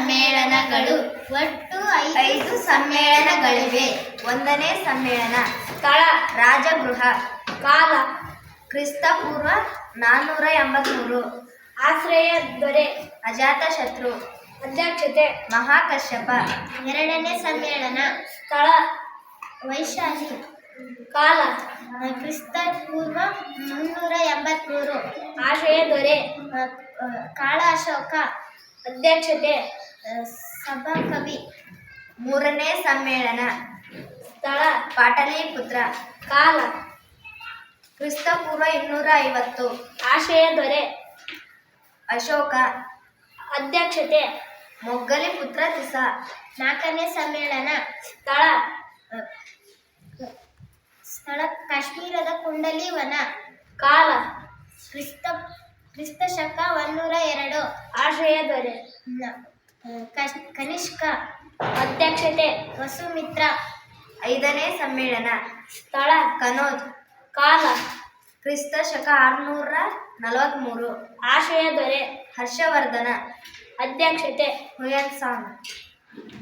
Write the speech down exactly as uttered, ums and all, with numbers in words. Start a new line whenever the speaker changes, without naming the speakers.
ಸಮ್ಮೇಳನಗಳು.
ಒಟ್ಟು
ಐದು ಸಮ್ಮೇಳನಗಳಿವೆ. ಒಂದನೇ ಸಮ್ಮೇಳನ.
ಸ್ಥಳ
ರಾಜಗೃಹ.
ಕಾಲ
ಕ್ರಿಸ್ತಪೂರ್ವ ನಾನ್ನೂರ ಎಂಬತ್ಮೂರು.
ಆಶ್ರಯ ದೊರೆ
ಅಜಾತಶತ್ರು.
ಅಧ್ಯಕ್ಷತೆ
ಮಹಾಕಶ್ಯಪ.
ಎರಡನೇ ಸಮ್ಮೇಳನ. ಸ್ಥಳ ವೈಶಾಲಿ.
ಕಾಲ
ಕ್ರಿಸ್ತ ಪೂರ್ವ ಮುನ್ನೂರ ಎಂಬತ್ಮೂರು.
ಆಶ್ರಯ ದೊರೆ
ಕಾಳ ಅಶೋಕ.
ಅಧ್ಯಕ್ಷತೆ
ಸಭಾಕವಿ.
ಮೂರನೇ ಸಮ್ಮೇಳನ.
ಸ್ಥಳ
ಪಾಟಲಿಪುತ್ರ.
ಕಾಲ
ಕ್ರಿಸ್ತಪೂರ್ವ ಇನ್ನೂರ ಐವತ್ತು.
ಆಶ್ರಯ ದೊರೆ
ಅಶೋಕ.
ಅಧ್ಯಕ್ಷತೆ
ಮೊಗ್ಗಲಿ ಪುತ್ರ ತಿಸ.
ನಾಲ್ಕನೇ ಸಮ್ಮೇಳನ.
ಸ್ಥಳ
ಸ್ಥಳ ಕಾಶ್ಮೀರದ ಕುಂಡಲಿ ವನ.
ಕಾಲ
ಕ್ರಿಸ್ತ ಕ್ರಿಸ್ತ ಶಕ ಒಂದೂರ ಎರಡು.
ಆಶ್ರಯ ದೊರೆ
ಕನಿಷ್ಕ.
ಅಧ್ಯಕ್ಷತೆ
ವಸುಮಿತ್ರ.
ಐದನೇ ಸಮ್ಮೇಳನ.
ಸ್ಥಳ
ಕನೋಜ್.
ಕಾಲ
ಕ್ರಿಸ್ತ ಶಕ ಆರುನೂರ ನಲವತ್ಮೂರು.
ಆಶ್ರಯ ದೊರೆ
ಹರ್ಷವರ್ಧನ.
ಅಧ್ಯಕ್ಷತೆ
ಹುಯನ್ ಸಾಂಗ್.